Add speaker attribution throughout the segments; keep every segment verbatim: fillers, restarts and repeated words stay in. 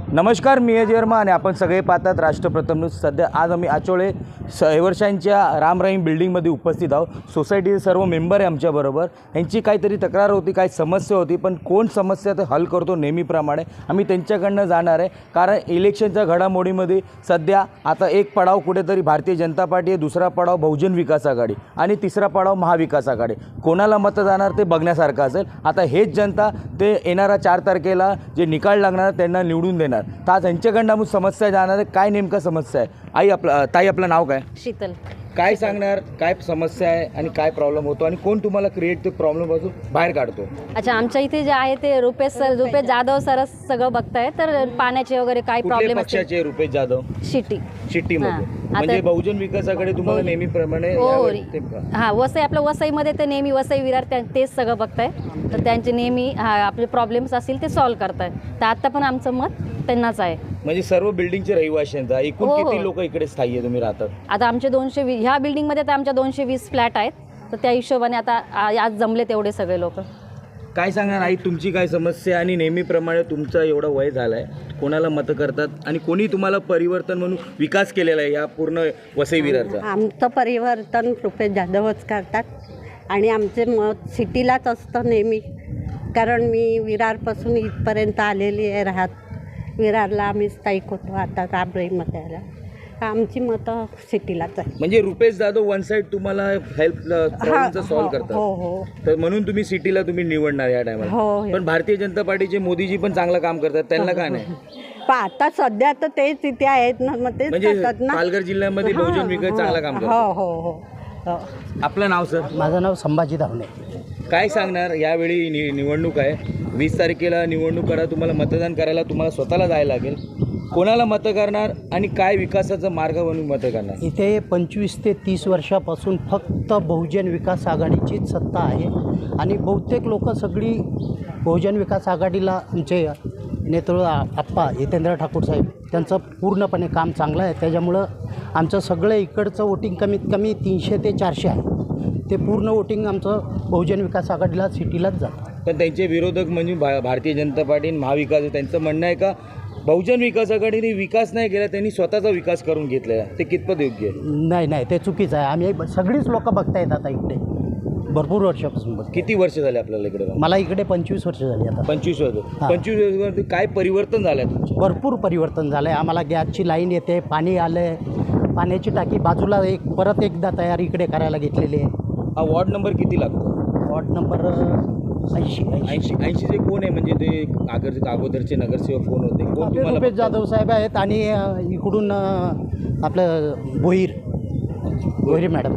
Speaker 1: नमस्कार, मी अजय वर्मा आणि आपण सगळे पाहतात राष्ट्रप्रथम न्यूज. सध्या आज आम्ही आचोळे रहिवाशांच्या राम रहीम बिल्डिंगमध्ये उपस्थित आहोत. सोसायटीचे सर्व मेंबर आहे आमच्याबरोबर. यांची काहीतरी तक्रार होती, काही समस्या होती, पण कोण समस्या ते हल करतो नेहमीप्रमाणे आम्ही त्यांच्याकडनं जाणार आहे. कारण इलेक्शनच्या घडामोडीमध्ये सध्या आता एक पडाव कुठेतरी भारतीय जनता पार्टी आहे, दुसरा पडाव बहुजन विकास आघाडी आणि तिसरा पडाव महाविकास आघाडी. कोणाला मतं जाणार ते बघण्यासारखं असेल. आता हेच जनता ते येणाऱ्या चार तारखेला जे निकाल लागणार त्यांना निवडून देणार. तर आज यांच्याकडनं आम्ही समस्या जाणार आहे. काय नेमका समस्या आहे? आई आपलं ताई आपलं नाव काय?
Speaker 2: शीतल.
Speaker 1: काय सांगणार, काय समस्या आहे आणि काय प्रॉब्लेम होतो आणि कोण तुम्हाला क्रिएट ते प्रॉब्लेमपासून बाहेर काढतो?
Speaker 2: अच्छा, आमच्या इथे जे आहे ते रुपेश सर रुपेश जाधव सरच सगळं बघताय. तर पाण्याचे वगैरे काही प्रॉब्लेम असतील.
Speaker 1: पक्षाचे रुपेश जाधव
Speaker 2: शिटी
Speaker 1: शिट्टीमध्ये म्हणजे बहुजन विकासाकडे तुम्हाला नेहमीप्रमाणे
Speaker 2: हां वसई आपलं वसईमध्ये ते नेहमी वसई विरार त्या तेच सगळं बघताय. तर त्यांचे नेहमी हा आपले प्रॉब्लेम्स असतील ते सॉल्व्ह करताय. तर आता पण आमचं मत त्यांनाच आहे. म्हणजे
Speaker 1: सर्व बिल्डिंगचे रहिवाशांचा एकूण
Speaker 2: हो, हो.
Speaker 1: किती लोक इकडे स्थायी आहे तुम्ही राहतात?
Speaker 2: आता आमचे दोनशे वीस ह्या बिल्डिंगमध्ये तर आमच्या दोनशे वीस फ्लॅट आहेत. तर त्या हिशोबाने आता आ- आज जमले तेवढे सगळे लोक.
Speaker 1: काय सांगणार आई, तुमची काय समस्या आणि नेहमीप्रमाणे तुमचा एवढा वय झाला आहे, कोणाला मतं करतात आणि कोणी तुम्हाला परिवर्तन म्हणून विकास केलेला आहे या पूर्ण वसई विरारचा?
Speaker 3: आमचं परिवर्तन रुपेश जाधवच करतात आणि आमचे मत सिटीलाच असतं नेहमी. कारण मी विरारपासून इथपर्यंत आलेली आहे राहत. विरारला आम्ही स्थायिक होतो, आता रामरहीममध्ये आला. आमची मतं सिटीलाच आहे.
Speaker 1: म्हणजे रुपेश जाधव वन साईड तुम्हाला हेल्प प्रॉब्लेमचा सॉल्व्ह करतात.
Speaker 3: हो हो
Speaker 1: तर म्हणून तुम्ही सिटीला तुम्ही निवडणार या टायमाला.
Speaker 3: हो.
Speaker 1: पण भारतीय जनता पार्टीचे मोदीजी पण चांगलं काम करतात, त्यांना काय नाही?
Speaker 3: पण आता सध्या तर तेच इथे आहेत ना, मग तेच
Speaker 1: म्हणजे
Speaker 3: करतात ना.
Speaker 1: पालघर जिल्ह्यामध्ये बहुजन विकास चांगलं काम
Speaker 3: हो
Speaker 1: करतात.
Speaker 3: हो हो हो.
Speaker 1: आपलं नाव सर?
Speaker 4: माझं नाव संभाजी धावणे.
Speaker 1: काय सांगणार, यावेळी नि निवडणूक आहे, वीस तारखेला निवडणूक करा, तुम्हाला मतदान करायला तुम्हाला स्वतःला जायला लागेल. कोणाला मतं करणार आणि काय विकासाचा मार्ग म्हणून मतं करणार?
Speaker 4: इथे पंचवीस ते तीस वर्षापासून फक्त बहुजन विकास आघाडीचीच सत्ता आहे आणि बहुतेक लोक सगळी बहुजन विकास आघाडीला आमचे नेतृत्व आप्पा जितेंद्र ठाकूर साहेब त्यांचं पूर्णपणे काम चांगलं आहे. त्याच्यामुळं आमचं सगळं इकडचं वोटिंग कमीत कमी तीनशे ते चारशे आहे. ते पूर्ण वोटिंग आमचं बहुजन विकास आघाडीला सिटीलाच जातं.
Speaker 1: पण त्यांचे विरोधक म्हणजे भा भारतीय जनता पार्टी आणि महाविकास आहे, त्यांचं म्हणणं आहे का बहुजन विकास आघाडीने विकास नाही केला, त्यांनी स्वतःचा विकास करून घेतलेला, ते कितपत योग्य आहे?
Speaker 4: नाही नाही ते चुकीचं आहे. आम्ही सगळीच लोक बघतायत आता इकडे भरपूर वर्षापासून बघ.
Speaker 1: किती वर्ष झाले आपल्याला इकडे?
Speaker 4: मला इकडे पंचवीस वर्ष झाली आता.
Speaker 1: पंचवीस वर्ष.
Speaker 4: हां.
Speaker 1: पंचवीस वर्षावरती काय परिवर्तन झालं आहे तुमचं?
Speaker 4: भरपूर परिवर्तन झालं आहे. आम्हाला गॅसची लाईन येते, पाणी आलं आहे, पाण्याची टाकी बाजूला एक परत एकदा तयारी इकडे करायला घेतलेली आहे.
Speaker 1: हा वॉर्ड नंबर किती लागतो?
Speaker 4: वॉर्ड नंबर ऐंशी ऐंशी
Speaker 1: ऐंशी ऐंशीचे कोण आहे? म्हणजे ते अगोदर अगोदरचे नगरसेवक कोण होते? कोण
Speaker 4: आपले
Speaker 1: तुम्हाला
Speaker 4: रुपेश जाधव साहेब आहेत आणि अ, इकडून अ, आपलं भोईर भोईर मॅडम.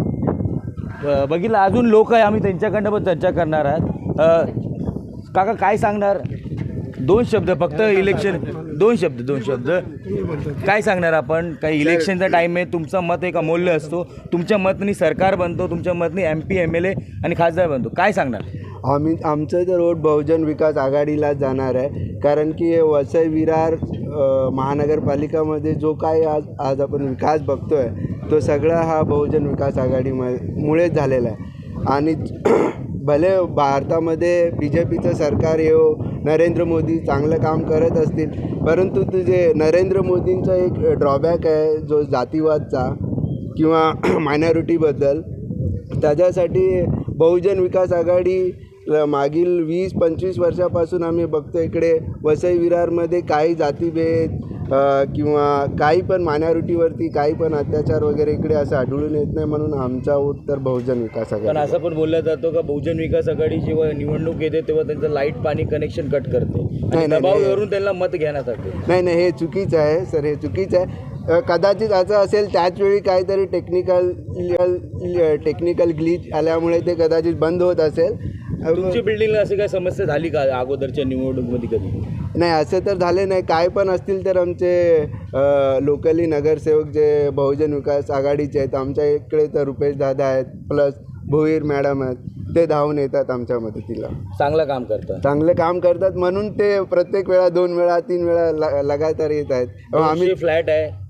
Speaker 1: ब- बघितलं, अजून लोक आहे, आम्ही त्यांच्याकडनं पण चर्चा करणार आहात. अ, काका काय सांगणार? दोन शब्द फक्त. इलेक्शन दोन शब्द दोन शब्द काय सांगणार आपण? काही इलेक्शनचा टाईम आहे, तुमचं मत एक अमूल्य असतो. तुमच्या मतनी सरकार बनतो, तुमच्या मतनी M P M L A आणि खासदार बनतो. काय सांगणार?
Speaker 5: आम्ही आमचं तर वोट बहुजन विकास आघाडीला जाणार आहे. कारण की वसई विरार अ, महानगरपालिकामध्ये जो काय आज आज आपण विकास बघतो आहे तो सगळा हा बहुजन विकास आघाडीमुळेच झालेला आहे. आणि भले भारतामध्ये बी जे पीचं सरकार येऊ, नरेंद्र मोदी चांगलं काम करत असतील, परंतु तुझे नरेंद्र मोदींचा एक ड्रॉबॅक आहे जो जातीवादचा किंवा मायनॉरिटीबद्दल. त्याच्यासाठी बहुजन विकास आघाडी मागील वीस पंचवीस वर्षापासून आम्ही बघतो इकडे वसई विरारमध्ये काही जातीभेद अ, किंवा काही पण मायनॉरिटीवरती काही पण अत्याचार वगैरे इकडे असं आढळून येत नाही. म्हणून आमचा वोट तर बहुजन विकास
Speaker 1: पण
Speaker 5: आघाडी.
Speaker 1: असं पण बोललं जातं का बहुजन विकास आघाडी जेव्हा निवडणूक येते तेव्हा त्यांचं लाईट पाणी कनेक्शन कट करते आणि
Speaker 5: नाही, नाही.
Speaker 1: दबावावरून त्यांना मत घेण्यासाठी.
Speaker 5: नाही नाही हे चुकीचं आहे सर, हे चुकीचं आहे. अ, कदाचित असं असेल त्याचवेळी काहीतरी टेक्निकल टेक्निकल ग्लिच आल्यामुळे ते कदाचित बंद होत असेल.
Speaker 1: तुमची बिल्डिंगला अशी काय समस्या झाली का अगोदरच्या निवडणुकीमध्ये कधी?
Speaker 5: नाही असं तर झाले नाही. काय पण असतील तर आमचे लोकली नगरसेवक जे बहुजन विकास आघाडीचे आहेत, आमच्या इकडे तर रुपेश दादा आहेत, प्लस भोईर मॅडम आहेत, ते धावून येतात आमच्या मदतीला.
Speaker 1: चांगलं काम करतात.
Speaker 5: चांगले काम करतात म्हणून ते प्रत्येक वेळा दोन वेळा तीन वेळा ल लगातार येत आहेत.
Speaker 1: आम्ही फ्लॅट आहे,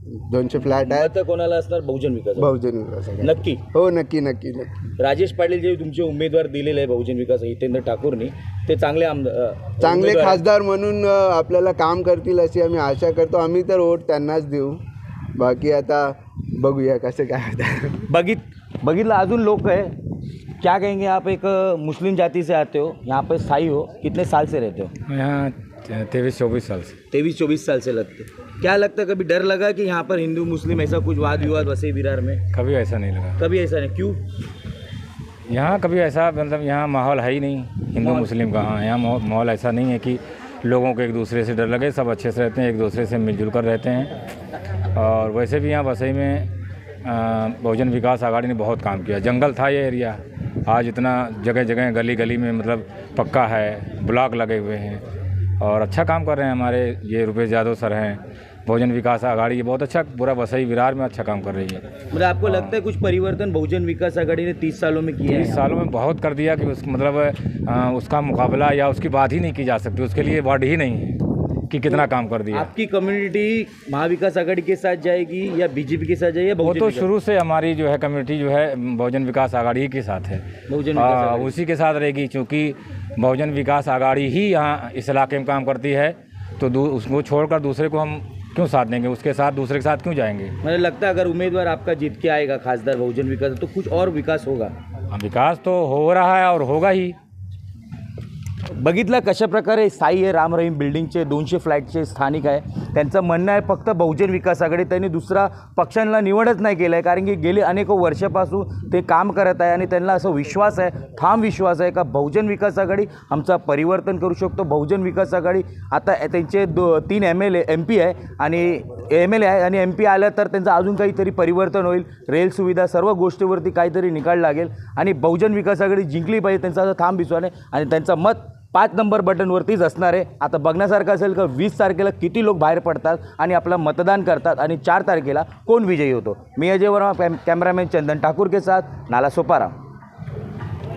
Speaker 5: दोनशे फ्लॅट आहेत.
Speaker 1: मतं कोणाला असणार? बहुजन विकास आघाडी.
Speaker 5: बहुजन विकास आघाडी.
Speaker 1: नक्की.
Speaker 5: हो नक्की नक्की नक्की.
Speaker 1: राजेश पाटील जे तुमचे उमेदवार दिलेले आहे बहुजन विकास हितेंद्र ठाकूरनी, ते चांगले आमदार
Speaker 5: चांगले
Speaker 1: उमेदवार आहेत.
Speaker 5: खासदार म्हणून अ, आपल्याला काम करतील अशी आम्ही आशा करतो. आम्ही तर वोट त्यांनाच देऊ. बाकी आता बघूया कसं काय होतं.
Speaker 1: बघित बघितलं अजून लोग है, क्या कहेंगे? आप एक अ, मुस्लिम जाति से आते हो, यहाँ पे स्थायी हो, कितने साल से रहते हो?
Speaker 6: यहाँ तेईस चौबीस साल से।
Speaker 1: तेईस चौबीस साल से लगते। क्या लगता है, कभी डर लगा कि यहाँ पर हिंदू मुस्लिम ऐसा कुछ वाद विवाद वसई विरार में?
Speaker 6: कभी ऐसा नहीं लगा।
Speaker 1: कभी ऐसा नहीं, क्यों?
Speaker 6: यहाँ कभी ऐसा मतलब यहाँ माहौल है ही नहीं हिंदू मुस्लिम का। हाँ, यहाँ माहौल माहौल ऐसा नहीं है कि लोगों को एक दूसरे से डर लगे। सब अच्छे से रहते हैं, एक दूसरे से मिलजुल कर रहते हैं। और वैसे भी यहाँ वसई में अ, बहुजन विकास आघाड़ी ने बहुत काम किया। जंगल था ये एरिया, आज इतना जगह जगह गली गली में मतलब पक्का है, ब्लॉक लगे हुए हैं और अच्छा काम कर रहे हैं। हमारे ये रुपेश यादव सर हैं, बहुजन विकास आघाड़ी ये बहुत अच्छा पूरा वसई विरार में अच्छा काम कर रही है।
Speaker 1: मतलब आपको लगता है कुछ परिवर्तन बहुजन विकास आघाड़ी ने तीस सालों में किया है?
Speaker 6: तीस सालों में बहुत कर दिया कि उस मतलब अ, उसका मुकाबला या उसकी बात ही नहीं की जा सकती। उसके लिए वर्ड ही नहीं है कि कितना काम कर दिया।
Speaker 1: आपकी कम्युनिटी महाविकास आघाड़ी के साथ जाएगी या बीजेपी के साथ जाएगी या
Speaker 6: वो
Speaker 1: बहुजन
Speaker 6: तो
Speaker 1: विकास-
Speaker 6: शुरू से हमारी जो है कम्युनिटी जो है बहुजन विकास आघाड़ी के साथ है।
Speaker 1: बहुजन विकास
Speaker 6: आ,
Speaker 1: आघाड़ी।
Speaker 6: उसी के साथ रहेगी, क्योंकि बहुजन विकास आघाड़ी ही यहाँ इस इलाके में काम करती है। तो दू- उसको छोड़कर दूसरे को हम क्यों साथ देंगे, उसके साथ दूसरे के साथ क्यों जाएंगे।
Speaker 1: मुझे लगता है अगर उम्मीदवार आपका जीत के आएगा खासदार बहुजन विकास, तो कुछ और विकास होगा।
Speaker 6: हाँ, विकास तो हो रहा है और होगा ही।
Speaker 1: बघितलं कशा प्रकारे साई आहे राम रहीम बिल्डिंगचे दोनशे फ्लॅटचे स्थानिक आहे, त्यांचं म्हणणं आहे फक्त बहुजन विकास आघाडी त्यांनी दुसरा पक्षांना निवडच नाही केलं आहे, कारण की गेली अनेक वर्षापासून ते काम करत आहे आणि त्यांना असं विश्वास आहे, ठाम विश्वास आहे का बहुजन विकास आघाडी आमचा परिवर्तन करू शकतो। बहुजन विकास आघाडी आता त्यांचे दो तीन M L A M P आहे आणि एम एल ए आहे आणि एम पी आलं तर त्यांचं अजून काहीतरी परिवर्तन होईल, रेल सुविधा सर्व गोष्टीवरती काहीतरी निकाल लागेल आणि बहुजन विकास आघाडी जिंकली पाहिजे, त्यांचा असं ठाम विश्वास आहे आणि त्यांचं मत पाच नंबर बटनवरतीच असणार आहे। आता बघण्यासारखं असेल का वीस तारखेला किती लोक बाहेर पडतात आणि आपलं मतदान करतात आणि चार तारखेला कोण विजयी होतो। मी अजय वर्मा, कॅमेरामॅन चंदन ठाकुर के साथ नाला सोपारा।